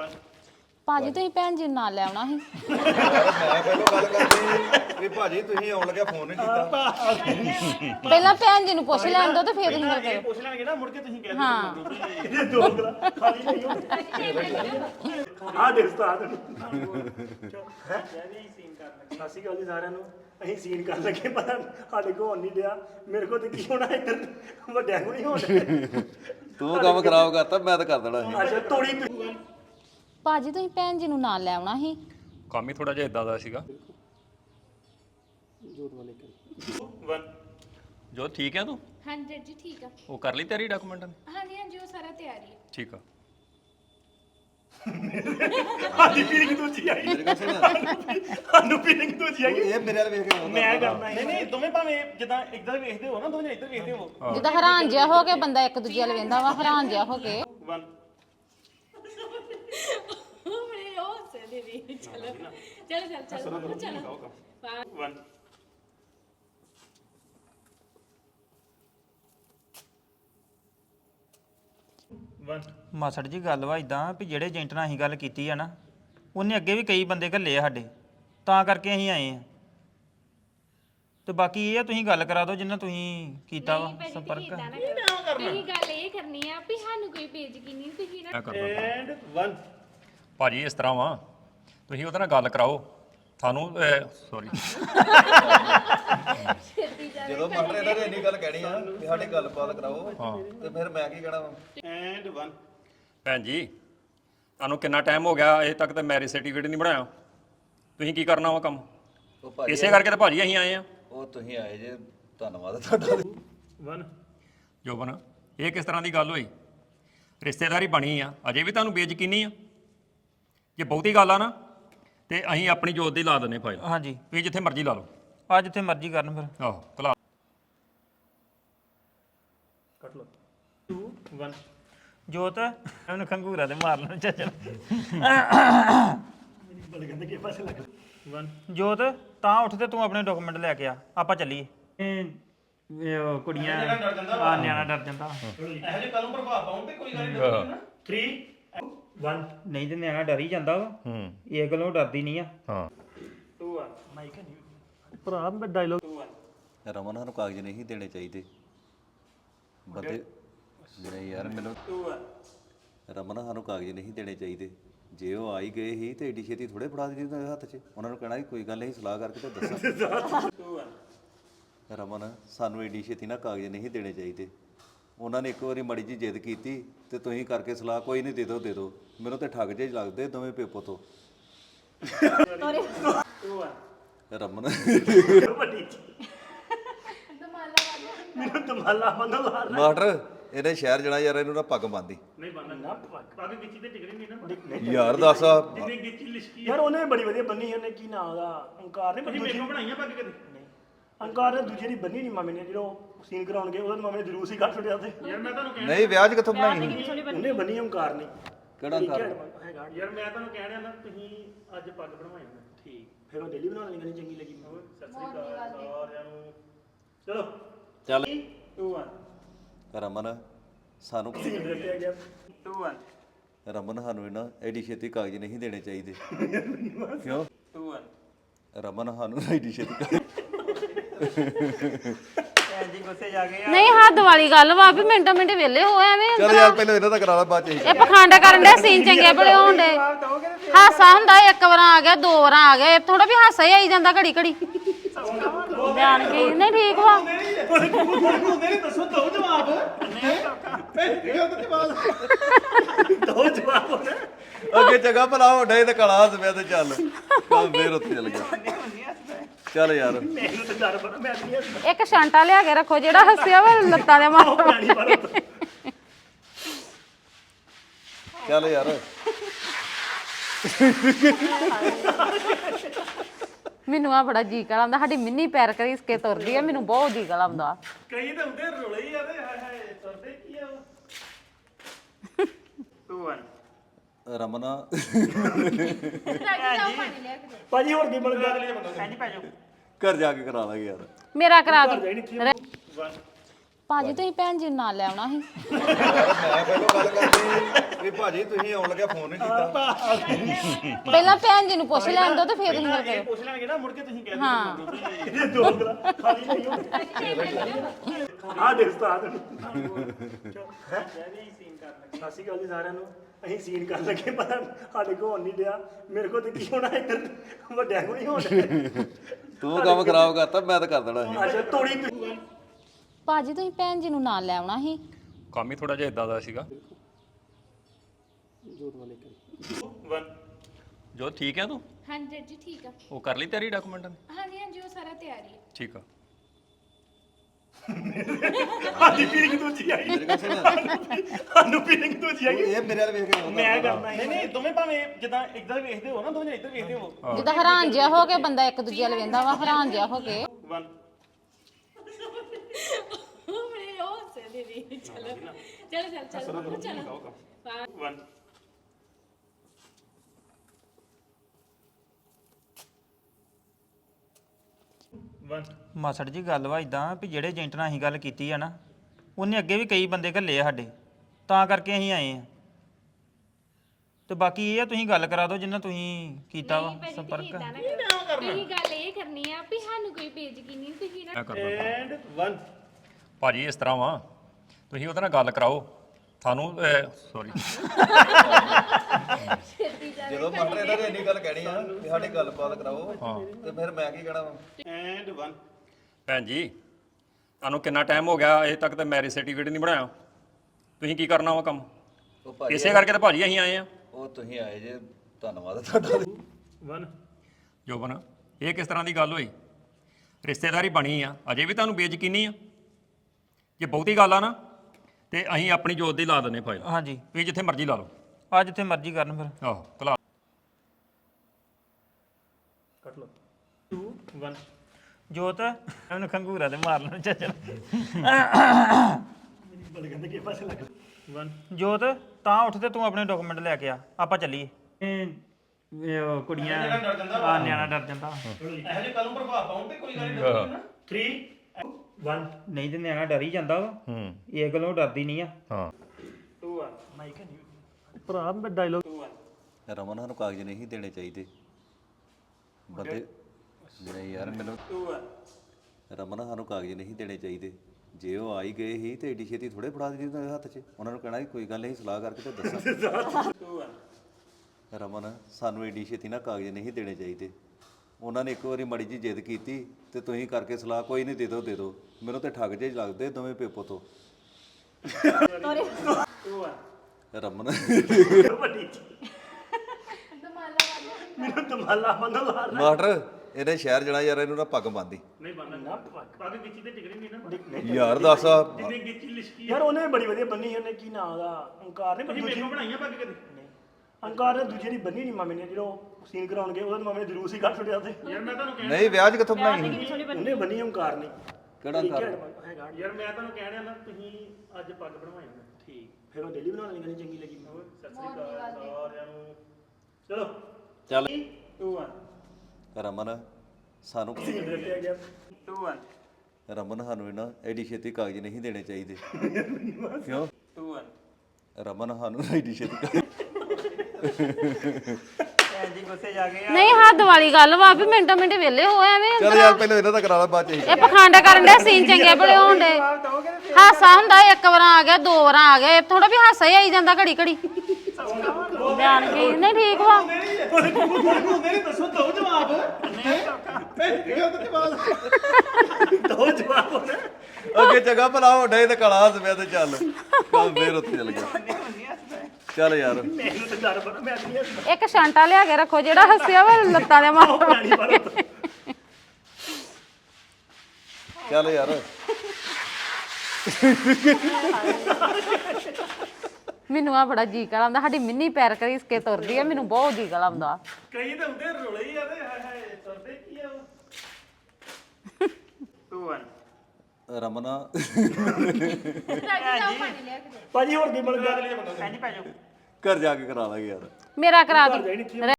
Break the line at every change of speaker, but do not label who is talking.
ਭਾਜੀ ਤੁਸੀਂ ਭੈਣ ਜੀ ਨੂੰ ਨਾਲ ਲੈ ਆਉਣਾ ਸੀ
ਮੈਂ ਪਹਿਲਾਂ ਗੱਲ ਕਰਦੀ ਵੀ ਭਾਜੀ ਤੁਸੀਂ ਆਉਣ ਲੱਗਿਆ ਫੋਨ ਨਹੀਂ ਕੀਤਾ
ਪਹਿਲਾਂ ਭੈਣ ਜੀ ਨੂੰ ਪੁੱਛ ਲੈਣ ਦੋ ਤੇ ਫਿਰ ਤੁਸੀਂ ਗੱਲ ਕਰੋ
ਪੁੱਛ ਲੈਣਗੇ ਨਾ ਮੁੜ ਕੇ ਤੁਸੀਂ ਕਹਿ
ਹਾਂ
ਦਿਓ ਦੋ ਗਲਾ ਖਾਲੀ ਨਹੀਂ ਹੋ ਆ ਦੇ ਉਸਤਾਦ ਅਸੀਂ ਗੱਲ ਸਾਰਿਆਂ ਨੂੰ ਅਸੀਂ ਸੀਨ ਕਰਨ ਲੱਗੇ ਪਰ ਸਾਡੇ ਕੋਲ ਨਹੀਂ ਡਿਆ ਮੇਰੇ ਕੋਲ ਤੇ ਕੀ ਹੋਣਾ ਇੱਧਰ ਵੱਡਿਆਂ ਨੂੰ ਨਹੀਂ ਹੋਣਾ
ਤੂੰ ਕੰਮ ਖਰਾਬ ਕਰਤਾ ਮੈਂ ਤਾਂ ਕਰ ਦੇਣਾ ਸੀ
ਅੱਛਾ ਤੋੜੀ ਤੂੰ
ਭਾਜੀ ਤੁਸੀਂ ਭੈਣ ਜੀ ਨੂੰ ਨਾਲ ਲੈ ਆਉਣਾ ਸੀ
ਕੰਮ ਹੀ ਥੋੜਾ ਜਿਹਾ ਇਦਾਂ ਦਾ ਸੀਗਾ ਜੋ ਠੀਕ ਹੈ ਤੂੰ
ਹਾਂਜੀ ਜੀ ਠੀਕ ਆ
ਉਹ ਕਰ ਲਈ ਤੇਰੀ ਡਾਕੂਮੈਂਟ
ਹਾਂਜੀ ਹਾਂਜੀ ਉਹ ਸਾਰਾ ਤਿਆਰੀ ਹੈ
ਠੀਕ ਆ
ਸਾਡੀ ਫੀਲਿੰਗ ਦੂਜੀ ਆਈ ਸਾਨੂੰ ਫੀਲਿੰਗ ਦੂਜੀ ਆਈ
ਇਹ ਮੇਰੇ ਵਾਲ ਵੇਖ ਕੇ
ਮੈਂ ਕਰਨਾ ਨਹੀਂ ਨਹੀਂ ਦੋਵੇਂ ਭਾਵੇਂ ਜਿੱਦਾਂ ਇੱਧਰ ਵੇਖਦੇ ਹੋ ਨਾ ਦੋਵੇਂ ਇੱਧਰ ਵੇਖਦੇ ਹੋ
ਜਿੱਦਾਂ ਹੈਰਾਨ ਜਿਹਾ ਹੋ ਕੇ ਬੰਦਾ ਇੱਕ ਦੂਜੇ ਵੱਲ ਵੇਂਦਾ ਵਾ ਹੈਰਾਨ ਜਿਹਾ ਹੋ ਕੇ
1
ਮੇਰੇ ਉਹ ਸੇ ਦੀਦੀ ਚਲੋ ਚਲੋ ਚਲੋ
1
ਮਾਸੜ ਜੀ ਗੱਲ ਵਾ ਇਦਾਂ ਵੀ ਜਿਹੜੇ ਏਜੰਟ ਨਾਲ ਅਸੀਂ ਗੱਲ ਕੀਤੀ ਆ ਨਾ ਉਹਨੇ ਅੱਗੇ ਵੀ ਕਈ ਬੰਦੇ ਘੱਲੇ ਆ ਸਾਡੇ ਤਾਂ ਕਰਕੇ ਅਸੀਂ ਆਏ ਆ ਤੇ ਬਾਕੀ ਇਹ ਆ ਤੁਸੀਂ ਗੱਲ ਕਰਾ ਦਿਓ ਜਿੰਨਾ ਤੁਸੀਂ ਕੀਤਾ ਵਾ ਸੰਪਰਕ
ਤੁਸੀਂ ਗੱਲ ਇਹ ਕਰਨੀ ਆ ਵੀ ਸਾਨੂੰ ਕੋਈ ਭੇਜ ਕੀ ਨਹੀਂ ਤੁਸੀਂ ਨਾ
ਮੈਂ ਕਰਦਾ
ਐਂਡ 1
ਭਾਜੀ ਇਸ ਤਰ੍ਹਾਂ ਵਾ ਤੁਸੀਂ ਉਹਦੇ ਨਾਲ ਗੱਲ ਕਰਾਓ ਸਾਨੂੰ ਸੌਰੀ
ਜਦੋਂ ਮੰਨ ਇਹਨਾਂ ਨੇ ਇੰਨੀ ਗੱਲ ਕਹਿਣੀ ਆ ਕਿ ਸਾਡੀ ਗੱਲਬਾਤ ਕਰਾਓ
ਹਾਂ
ਤੇ ਫਿਰ ਮੈਂ ਕੀ ਕਹਿਣਾ ਵਾ
ਐਂਡ 1
ਭੈਣ ਜੀ ਤੁਹਾਨੂੰ ਕਿੰਨਾ ਟਾਈਮ ਹੋ ਗਿਆ ਅਜੇ ਤੱਕ ਤੇ ਮੈਰਿਜ ਸਰਟੀਫਿਕੇਟ ਨਹੀਂ ਬਣਾਇਆ ਤੁਸੀਂ ਕੀ ਕਰਨਾ ਵਾ ਕੰਮ
ਉਹ ਭਾਜੀ
ਇਸੇ ਕਰਕੇ ਤਾਂ ਭਾਜੀ ਅਸੀਂ ਆਏ ਆ
ਉਹ ਤੁਸੀਂ ਆਏ ਜੇ ਧੰਨਵਾਦ ਤੁਹਾਡਾ
1
ਜੋਬਨ ਇਹ ਕਿਸ ਤਰ੍ਹਾਂ ਦੀ ਗੱਲ ਹੋਈ ਰਿਸ਼ਤੇਦਾਰੀ ਬਣੀ ਆ ਅਜੇ ਵੀ ਤੁਹਾਨੂੰ ਬੇਯਕੀਨੀ ਆ ਜੇ ਬਹੁਤੀ ਗੱਲ ਆ ਨਾ ਤੇ ਅਸੀਂ ਆਪਣੀ ਜੋਤ ਦੀ ਲਾ ਦਿੰਦੇ ਫਾਈਲ
ਹਾਂਜੀ
ਤੁਸੀਂ ਜਿੱਥੇ ਮਰਜ਼ੀ ਲਾ ਲਓ
ਆ ਜਿੱਥੇ ਮਰਜ਼ੀ ਕਰਨ ਫਿਰ
ਆਹੋ ਕਲਾ
ਕੱਟ ਲਓ 2 1
ਜੋਤ ਇਹਨੂੰ ਖੰਗੂਰਾ ਤੇ ਮਾਰ ਲੈਣਾ ਚਾਚਾ
ਬਲ ਗੰਦੇ ਕੇ ਪਾਸੇ ਲੱਗ 1
ਜੋਤ ਤਾਂ ਉੱਠ ਤੇ ਤੂੰ ਆਪਣੇ ਡਾਕੂਮੈਂਟ ਲੈ ਕੇ ਆ ਆਪਾਂ ਚੱਲੀਏ ਇਹ ਉਹ ਕੁੜੀਆਂ ਆ ਨਿਆਣਾ ਡਰ ਜਾਂਦਾ
ਇਹੋ ਜਿਹੇ ਕਲਮ ਪ੍ਰਭਾਵ ਪਾਉਣ ਤੇ ਕੋਈ ਗੱਲ ਨਹੀਂ 3 1
ਨਹੀਂ ਤੇ ਨਿਆਣਾ ਡਰ ਹੀ ਜਾਂਦਾ ਵਾ
ਹੂੰ
ਇਹ ਗੱਲੋਂ ਡਰਦੀ ਨਹੀਂ ਆ
ਹਾਂ
2 1 ਮਾਈਕ ਨਹੀਂ ਭਰਾ ਮੈਂ ਡਾਇਲੋਗ 2 1
ਰਮਨ ਨੂੰ ਕਾਗਜ਼ ਨਹੀਂ ਦੇਣੇ ਚਾਹੀਦੇ ਬੰਦੇ ਨਹੀਂ ਯਾਰ ਮੈਨੂੰ
2 1
ਰਮਨ ਸਾਨੂੰ ਕਾਗਜ਼ ਨਹੀਂ ਦੇਣੇ ਚਾਹੀਦੇ ਜੇ ਉਹ ਆਈ ਗਏ ਸੀ ਤੇ ਏਡੀ ਛੇਤੀ ਥੋੜੇ ਫੜਾ ਦਿੱਤੀ ਉਹਨਾਂ ਦੇ ਹੱਥ 'ਚ ਉਹਨਾਂ ਨੂੰ ਕਹਿਣਾ ਕਿ ਕੋਈ ਗੱਲ ਨਹੀਂ ਸਲਾਹ ਕਰਕੇ ਤੇ ਦੱਸਾਂ
2 1
ਰਮਨ ਸਾਨੂੰ ਏਡੀ ਛੇਤੀ ਨਾ ਕਾਗਜ਼ ਨਹੀਂ ਦੇਣੇ ਚਾਹੀਦੇ ਉਹਨਾਂ ਨੇ ਇੱਕ ਵਾਰੀ ਮਾੜੀ ਜੀ ਜਿੱਦ ਕੀਤੀ ਤੇ ਤੁਸੀਂ ਕਰਕੇ ਸਲਾਹ ਕੋਈ ਨਹੀਂ ਦੇ ਦਿਓ ਮੈਨੂੰ ਤੇ ਠੱਗ ਜੇ ਲੱਗਦੇ ਦੋਵੇਂ ਪੇਪੋ ਤੋਂ
2 1
ਰਮਨ
ਵੱਡੀ ਮੈਨੂੰ ਦਮਾਲਾ ਬੰਦਾ ਲਾ
ਮਾਸਟਰ ਇਹਨੇ ਸ਼ਹਿਰ ਜਾਣਾ ਯਾਰ ਇਹਨੂੰ ਨਾ ਪੱਗ ਬੰਨਦੀ
ਨਹੀਂ ਬੰਦਾ ਨਾ ਪੱਗ ਗਿੱਚੀ ਤੇ ਟਿਕਣੀ ਨਹੀਂ ਨਾ
ਯਾਰ ਦੱਸ
ਜਿੰਨੀ ਗਿੱਚੀ ਲਿਸ਼ਕੀ ਯਾਰ ਉਹਨੇ ਬੜੀ ਵਧੀਆ ਬੰਨੀ ਉਹਨੇ ਕੀ ਨਾਂ ਉਹਦਾ ਅੰਕਾਰ ਨੇ ਦੂਜੀ ਬਣਾਈਆਂ ਪੱਗ ਕਦੇ ਅੰਕਾਰ ਨੇ ਦੂਜੇ ਦੀ ਬੰਨੀ ਨਹੀਂ ਮਾਮੇ ਨੇ ਜਦੋਂ ਸੀਨ ਕਰਾਉਣਗੇ ਉਹਦਾ ਮਾਮੇ ਨੇ ਜਲੂਸ ਹੀ ਕੱਢ ਛੱਡਿਆ ਤੇ ਯਾਰ ਮੈਂ ਤੁਹਾਨੂੰ
ਨਹੀਂ ਵਿਆਹ 'ਚ ਕਿੱਥੋਂ ਬਣਾਈ
ਉਹਨੇ ਬੰਨੀ ਅੰਕਾਰ ਨੇ
ਕਿਹੜਾ ਅੰਕਾਰ
ਹੈਗਾ ਯਾਰ ਮੈਂ ਤੁਹਾਨੂੰ ਕਹਿ ਰਿਹਾ ਨਾ ਤੁਸੀਂ ਅੱਜ ਪੱਗ ਬਣਵਾਈ ਨਾ ਠੀਕ ਫਿਰ ਉਹ ਡੇਲੀ ਬਣਾ ਲੈਣੀ ਕਹਿੰਦੀ ਚੰਗੀ ਲੱਗੀ ਸਤਿ ਸ੍ਰੀ ਅਕਾਲ ਸਾਰਿਆਂ ਨੂੰ ਚਲੋ
ਚੱਲ
2 1
ਰਮਨ ਸਾਨੂੰ
ਸੀਨ ਰੱਖਿਆ ਗਿਆ 2 1
ਰਮਨ ਸਾਨੂੰ ਇਹਨਾਂ ਐਡੀ ਛੇਤੀ ਕਾਗਜ਼ ਨਹੀਂ ਦੇਣੇ ਚਾਹੀਦੇ ਕਿਉਂ
2 1
ਰਮਨ ਸਾਨੂੰ ਐਡੀ ਛੇਤੀ
ਭੈਣ ਜੀ ਗੁੱਸੇ ਜਾ ਕੇ
ਨਹੀਂ ਹੱਦ ਵਾਲੀ ਗੱਲ ਵਾ ਵੀ ਮਿੰਟਾਂ ਮਿੰਟ ਵਿਹਲੇ ਹੋ ਐਵੇਂ
ਚੱਲ ਯਾਰ ਪਹਿਲਾਂ ਇਹਨਾਂ ਦਾ ਕਰਾ ਲਾ ਬਾਅਦ 'ਚ
ਇਹ ਪਖੰਡ ਕਰਨ ਦੇ ਸੀਨ ਚੰਗੇ ਬੜੇ ਹੋਣ ਦੇ ਹਾਸਾ ਹੁੰਦਾ ਇੱਕ ਵਾਰ ਆ ਗਿਆ ਦੋ ਵਾਰ ਆ ਗਿਆ ਥੋੜਾ ਵੀ ਹਾਸਾ ਹੀ ਆਈ ਜਾਂਦਾ ਘੜੀ ਘੜੀ ਜਾਣ ਕੇ ਨਹੀਂ ਠੀਕ ਵਾ
ਦੱਸੋ ਦੋ ਜਵਾਬ ਦੋ ਜਵਾਬ
ਅੱਗੇ ਚੰਗਾ ਭਲਾ ਹੋਣਾ ਇਹ ਤੇ ਕਾਲਾ ਹੱਸ ਪਿਆ ਤੇ ਚੱਲ ਫੇਰ ਉੱਥੇ ਚੱਲ ਗਿਆ ਚੱਲ ਯਾਰ
ਮੈਨੂੰ ਤਾਂ ਡਰ ਬੜਾ ਮੈਂ ਨਹੀਂ ਹੱਸਦਾ
ਇੱਕ ਛਾਂਟਾ ਲਿਆ ਕੇ ਰੱਖੋ ਜਿਹੜਾ ਹੱਸਿਆ ਵਾ ਲੱਤਾਂ ਦੇ ਮਾਰ
ਪਾਣੀ ਪਰ
ਚੱਲ ਯਾਰ
ਮੈਨੂੰ ਆ ਬੜਾ ਜੀ ਕਲਾਉਂਦਾ ਸਾਡੀ ਮਿੰਨੀ ਪੈਰ ਕਰੀ ਇਸਕੇ ਤੁਰਦੀ ਆ ਮੈਨੂੰ ਬਹੁਤ ਜੀ ਕਲਾਉਂਦਾ
ਕਈ ਤਾਂ ਹੁੰਦੇ ਰੋਲੇ ਹੀ ਆ ਤੇ ਹਾਏ ਹਾਏ ਤੁਰਦੇ ਕੀ ਆ 2 1
ਰਮਨ
ਭਾਜੀ ਹੋਰ ਕੀ ਬਣ ਗਿਆ
ਭੈਣ ਜੀ ਪੈ ਜਾਓ
ਘਰ ਜਾ ਕੇ ਕਰਾ ਲਾਂਗੇ ਯਾਰ
ਮੇਰਾ ਕਰਾ ਦੋ
1
ਭਾਜੀ ਤੁਸੀਂ ਭੈਣ ਜੀ ਨੂੰ ਨਾਲ ਲੈ ਆਉਣਾ ਸੀ
ਮੈਂ ਪਹਿਲਾਂ ਗੱਲ ਕਰਦੀ ਵੀ ਭਾਜੀ ਤੁਸੀਂ ਆਉਣ ਲੱਗਿਆ ਫੋਨ ਨਹੀਂ ਕੀਤਾ
ਪਹਿਲਾਂ ਭੈਣ ਜੀ ਨੂੰ ਪੁੱਛ ਲੈਣ ਦੋ ਤੇ ਫਿਰ ਤੁਸੀਂ ਗੱਲ ਕਰੋ
ਪੁੱਛ ਲੈਣਗੇ ਨਾ ਮੁੜ ਕੇ ਤੁਸੀਂ ਕਹਿ
ਹਾਂ
ਇਹ ਦੋ ਗਲਾ ਖਾਲੀ ਨਹੀਂ ਹੁੰਦੇ ਆ ਦੇ ਉਸਤਾਦ ਸਾਸੀ ਗੱਲ ਜੀ ਸਾਰਿਆਂ ਨੂੰ ਅਸੀਂ ਸੀਨ ਕਰਨ ਲੱਗੇ ਪਰ ਸਾਡੇ ਕੋਲ ਹੋਣ ਨਹੀਂ ਡਿਆ ਮੇਰੇ ਕੋਲ ਤੇ ਕੀ ਹੋਣਾ ਇੱਧਰ ਵੱਡਿਆਂ ਨੂੰ ਨਹੀਂ ਹੋਣਾ
ਤੂੰ ਕੰਮ ਖਰਾਬ ਕਰਤਾ ਮੈਂ ਤਾਂ ਕਰ ਦੇਣਾ ਸੀ
ਅੱਛਾ ਤੋੜੀ
ਭਾਜੀ ਤੁਸੀਂ ਭੈਣ ਜੀ ਨੂੰ ਨਾਲ ਲੈ ਆਉਣਾ ਸੀ
ਕੰਮ ਹੀ ਥੋੜਾ ਜਿਹਾ ਇਦਾਂ ਦਾ ਸੀਗਾ ਜੋ ਠੀਕ ਹੈ ਤੂੰ
ਹਾਂਜੀ ਜੀ ਠੀਕ ਆ
ਉਹ ਕਰ ਲਈ ਤੇਰੀ ਡਾਕੂਮੈਂਟ
ਹਾਂਜੀ ਹਾਂਜੀ ਉਹ ਸਾਰਾ ਤਿਆਰੀ ਹੈ
ਠੀਕ ਆ
ਸਾਡੀ ਫੀਲਿੰਗ ਦੂਜੀ ਆਈ
ਮੇਰੇ ਕੋਲ ਸੁਣ
ਸਾਨੂੰ ਫੀਲਿੰਗ ਦੂਜੀ ਆਈ
ਇਹ ਮੇਰੇ ਵਾਲ ਵੇਖ ਕੇ
ਮੈਂ ਕਰਨਾ ਨਹੀਂ ਨਹੀਂ ਦੋਵੇਂ ਭਾਵੇਂ ਜਿੱਦਾਂ ਇੱਧਰ ਵੇਖਦੇ ਹੋ ਨਾ ਦੋਵੇਂ ਇੱਧਰ ਵੇਖਦੇ ਹੋ
ਜਿੱਦਾਂ ਹੈਰਾਨ ਜਿਹਾ ਹੋ ਕੇ ਬੰਦਾ ਇੱਕ ਦੂਜੇ ਵੱਲ ਵੇਂਦਾ ਵਾ ਹੈਰਾਨ ਜਿਹਾ ਹੋ ਕੇ
ਮੇਰੇ ਉਹ ਸੇ ਦੀਦੀ ਚਲੋ ਚਲੋ ਚਲੋ
1
ਮਾਸੜ ਜੀ ਗੱਲ ਵਾ ਇਦਾਂ ਵੀ ਜਿਹੜੇ ਏਜੰਟ ਨਾਲ ਅਸੀਂ ਗੱਲ ਕੀਤੀ ਆ ਨਾ ਉਹਨੇ ਅੱਗੇ ਵੀ ਕਈ ਬੰਦੇ ਘੱਲੇ ਆ ਸਾਡੇ ਤਾਂ ਕਰਕੇ ਅਸੀਂ ਆਏ ਆ ਤੇ ਬਾਕੀ ਇਹ ਆ ਤੁਸੀਂ ਗੱਲ ਕਰਾ ਦਿਓ ਜਿੰਨਾ ਤੁਸੀਂ ਕੀਤਾ ਵਾ ਸੰਪਰਕ
ਤੁਸੀਂ ਗੱਲ ਇਹ ਕਰਨੀ ਆ ਵੀ ਸਾਨੂੰ ਕੋਈ ਬੇਇੱਜ਼ਤੀ ਨਹੀਂ ਤੁਸੀਂ ਨਾ
ਮੈਂ ਕਰਦਾ
ਐਂਡ 1
ਭਾਜੀ ਇਸ ਤਰ੍ਹਾਂ ਵਾ ਤੁਸੀਂ ਉਹਦੇ ਨਾਲ ਗੱਲ ਕਰਾਓ ਸਾਨੂੰ ਸੌਰੀ
ਜਦੋਂ ਮਾਸਟਰ ਇਹਨਾਂ ਨੇ ਇੰਨੀ ਗੱਲ ਕਹਿਣੀ ਆ ਕਿ ਸਾਡੀ ਗੱਲਬਾਤ ਕਰਾਓ ਤੇ ਫਿਰ ਮੈਂ ਕੀ ਕਹਿਣਾ ਵਾ
ਐਂਡ 1
ਭੈਣ ਜੀ ਤੁਹਾਨੂੰ ਕਿੰਨਾ ਟਾਈਮ ਹੋ ਗਿਆ ਅਜੇ ਤੱਕ ਤਾਂ ਮੈਰਿਜ ਸਰਟੀਫਿਕੇਟ ਨਹੀਂ ਬਣਾਇਆ ਤੁਸੀਂ ਕੀ ਕਰਨਾ ਵਾ ਕੰਮ
ਉਹ ਭਾਜੀ
ਇਸੇ ਕਰਕੇ ਤਾਂ ਭਾਜੀ ਅਸੀਂ ਆਏ ਆ
ਉਹ ਤੁਸੀਂ ਆਏ ਜੇ ਧੰਨਵਾਦ ਤੁਹਾਡਾ
1
ਜੋਬਨ ਇਹ ਕਿਸ ਤਰ੍ਹਾਂ ਦੀ ਗੱਲ ਹੋਈ ਰਿਸ਼ਤੇਦਾਰੀ ਬਣੀ ਆ ਅਜੇ ਵੀ ਤੁਹਾਨੂੰ ਬੇਯਕੀਨੀ ਆ ਜੇ ਬਹੁਤੀ ਗੱਲ ਆ ਨਾ ਤੇ ਅਸੀਂ ਆਪਣੀ ਜੋਤ ਦੀ ਲਾ ਦਿੰਦੇ ਫਾਈਲ
ਹਾਂਜੀ
ਤੁਸੀਂ ਜਿੱਥੇ ਮਰਜ਼ੀ ਲਾ ਲਓ
ਆ ਜਿੱਥੇ ਮਰਜ਼ੀ ਕਰਨ ਫਿਰ
ਆਹੋ ਕਲਾ
ਕੱਟ ਲਓ 2 1
ਜੋਤ ਇਹਨੂੰ ਖੰਗੂਰਾ ਤੇ ਮਾਰ ਲੈਣਾ ਚੱਲ
ਬਲ ਕਹਿੰਦੇ ਕਿ ਪਾਸੇ ਲੱਗ 1
ਜੋਤ ਤਾਂ ਉੱਠ ਤੇ ਤੂੰ ਆਪਣੇ ਡਾਕੂਮੈਂਟ ਲੈ ਕੇ ਆ ਆਪਾਂ ਚੱਲੀਏ ਇਹ ਉਹ ਕੁੜੀਆਂ ਆ ਨਿਆਣਾ ਡਰ ਜਾਂਦਾ
ਇਹੋ ਜਿਹੇ ਕਲਮ ਪ੍ਰਭਾਵ ਪਾਉਣ ਤੇ ਕੋਈ ਗੱਲ ਨਹੀਂ 3 1
ਨਹੀਂ ਤੇ ਨਿਆਣਾ ਡਰ ਹੀ ਜਾਂਦਾ ਵਾ
ਹੂੰ
ਇਹ ਗੱਲੋਂ ਡਰਦੀ ਨਹੀਂ ਆ
ਹਾਂ
2 1 ਮਾਈਕ ਨਹੀਂ ਭਰਾ ਮੈਂ ਡਾਇਲੋਗ 2 1
ਰਮਨ ਸਾਨੂੰ ਕਾਗਜ਼ ਨਹੀਂ ਦੇਣੇ ਚਾਹੀਦੇ ਬੰਦੇ ਨਹੀਂ ਯਾਰ ਮੈਨੂੰ
2 1
ਰਮਨ ਸਾਨੂੰ ਕਾਗਜ਼ ਨਹੀਂ ਦੇਣੇ ਚਾਹੀਦੇ ਜੇ ਉਹ ਆ ਹੀ ਗਏ ਸੀ ਤੇ ਏਡੀ ਛੇਤੀ ਥੋੜੇ ਫੜਾ ਦਿੱਤੀ ਉਹਨਾਂ ਦੇ ਹੱਥ 'ਚ ਉਹਨਾਂ ਨੂੰ ਕਹਿਣਾ ਕਿ ਕੋਈ ਗੱਲ ਨਹੀਂ ਸਲਾਹ ਕਰਕੇ ਤੇ ਦੱਸਾਂ
2 1
ਰਮਨ ਸਾਨੂੰ ਏਡੀ ਛੇਤੀ ਨਾ ਕਾਗਜ਼ ਨਹੀਂ ਦੇਣੇ ਚਾਹੀਦੇ ਉਹਨਾਂ ਨੇ ਇੱਕ ਵਾਰੀ ਮਾੜੀ ਜੀ ਜਿੱਦ ਕੀਤੀ ਤੇ ਤੁਸੀਂ ਕਰਕੇ ਸਲਾਹ ਕੋਈ ਨਹੀਂ ਦੇ ਦਿਓ ਮੈਨੂੰ ਤੇ ਠੱਗ ਜੇ ਲੱਗਦੇ ਦੋਵੇਂ ਪੇਪੋ ਤੋਂ
2 1
ਰਮਨ
ਵੱਡੀ ਮੈਨੂੰ ਦਮਾਲਾ ਬੰਦਾ ਲਾ
ਮਾਸਟਰ ਇਹਨੇ ਸ਼ਹਿਰ ਜਾਣਾ ਯਾਰ ਇਹਨੂੰ ਨਾ ਪੱਗ ਬੰਨਦੀ
ਨਹੀਂ ਬੰਦਾ ਨਾ ਪੱਗ ਗਿੱਚੀ ਤੇ ਟਿਕਣੀ ਨਹੀਂ ਨਾ
ਯਾਰ ਦੱਸ
ਜਿਹਨੇ ਗਿੱਚੀ ਲਿਸ਼ਕੀ ਯਾਰ ਉਹਨੇ ਬੜੀ ਵਧੀਆ ਬੰਨੀ ਉਹਨੇ ਕੀ ਨਾਂ ਉਹਦਾ ਅੰਕਾਰ ਨੇ ਦੂਜੀ ਬਣਾਈਆਂ ਪੱਗ ਕਦੇ ਅੰਕਾਰ ਨੇ ਦੂਜੇ ਦੀ ਬੰਨੀ ਨਹੀਂ ਮਾਮੇ ਨੇ ਜਦੋਂ ਸੀਨ ਕਰਾਉਣ ਗਏ ਉਹਦੇ ਮਾਮੇ ਨੇ ਜਲੂਸ ਹੀ ਕੱਢ ਛੱਡਿਆ ਤੇ ਯਾਰ ਮੈਂ ਤੁਹਾਨੂੰ
ਨਹੀਂ ਵਿਆਹ 'ਚ ਕਿੱਥੋਂ ਬਣਾਈ ਸੀ?
ਉਹਨੇ ਬੰਨੀ ਅੰਕਾਰ ਨੇ
ਕਿਹੜਾ ਕਰ
ਹੈਗਾ ਯਾਰ ਮੈਂ ਤੁਹਾਨੂੰ ਕਹਿ ਰਿਹਾ ਨਾ ਤੁਸੀਂ ਅੱਜ ਪੱਗ ਬਣਵਾਈ ਠੀਕ ਫਿਰ ਉਹ ਡੇਲੀ ਬਣਾ ਲੈਣੀ ਚੰਗੀ ਲੱਗੀ ਸਤਿ ਸ੍ਰੀ ਅਕਾਲ ਸਾਰਿਆਂ ਨੂੰ ਚਲੋ
ਚੱਲ
2 1
ਰਮਨ ਸਾਨੂੰ
2 1
ਰਮਨ ਸਾਨੂੰ ਇਹਨਾਂ ਐਡੀ ਛੇਤੀ ਕਾਗਜ਼ ਨਹੀਂ ਦੇਣੇ ਚਾਹੀਦੇ ਕਿਉਂ
2 1
ਰਮਨ ਸਾਨੂੰ ਐਡੀ ਛੇਤੀ
ਜੀ ਗੁੱਸੇ ਜਾ ਕੇ
ਨਹੀਂ ਹੱਦ ਵਾਲੀ ਗੱਲ ਵਾ ਵੀ ਮਿੰਟੋ ਮਿੰਟ ਵਿਹਲੇ ਹੋ ਐਵੇਂ
ਚੱਲ ਯਾਰ ਪਹਿਲਾਂ ਇਹਨਾਂ ਦਾ ਕਰਾ ਲਾ ਬਾਅਦ 'ਚ
ਇਹ ਪਖੰਡ ਕਰਨ ਦੇ ਸੀਨ ਚੰਗੇ ਬੜੇ ਹੋਣ ਦੇ ਹਾਸਾ ਹੁੰਦਾ ਇੱਕ ਵਾਰ ਆ ਗਿਆ ਦੋ ਵਾਰ ਆ ਗਿਆ ਥੋੜਾ ਵੀ ਹਾਸਾ ਹੀ ਆਈ ਜਾਂਦਾ ਘੜੀ ਘੜੀ ਬਿਆਨ ਕੀ ਨਹੀਂ ਠੀਕ ਵਾ
ਉਹਨੇ ਦੱਸੋ ਦੋ ਜਵਾਬ ਦੋ ਜਵਾਬ ਉਹਨੇ
ਅੱਗੇ ਚੰਗਾ ਭਲਾ ਹੋਣਾ ਇਹ ਤੇ ਕਾਲਾ ਹੱਸ ਪਿਆ ਤੇ ਚੱਲ ਫੇਰ ਉੱਥੇ ਚੱਲ ਗਿਆ ਚੱਲ ਯਾਰ
ਮੈਨੂੰ ਤਾਂ ਡਰ ਬੜਾ ਮੈਂ ਨਹੀਂ ਹੱਸਦਾ
ਇੱਕ ਛਾਂਟਾ ਲਿਆ ਕੇ ਰੱਖੋ ਜਿਹੜਾ ਹੱਸਿਆ ਵਾ ਲੱਤਾਂ ਦੇ ਮਾਰ
ਪਾਣੀ ਮਾਰੋ
ਚੱਲ ਯਾਰ
ਮੈਨੂੰ ਆ ਬੜਾ ਜੀ ਕਰਾਂਦਾ ਸਾਡੀ ਮਿੰਨੀ ਪੈਰ ਕਰੀ ਇਸਕੇ ਤੁਰਦੀ ਆ ਮੈਨੂੰ ਬਹੁਤ ਜੀ ਕਰਾਂਦਾ
ਕਈ ਤਾਂ ਹੁੰਦੇ ਰੋਲੇ ਹੀ ਆ ਤੇ ਹਾਏ ਹਾਏ ਤੁਰਦੇ ਕੀ ਆ 2 1
ਰਮਨਾ
ਭਾਜੀ ਹੋਰ ਕੀ ਬਣ ਗਿਆ
ਭੈਣ ਜੀ ਪੈ ਜਾਓ
ਘਰ ਜਾ ਕੇ ਕਰਾ ਲਾਂਗੇ ਯਾਰ
ਮੇਰਾ ਕਰਾ ਦੀ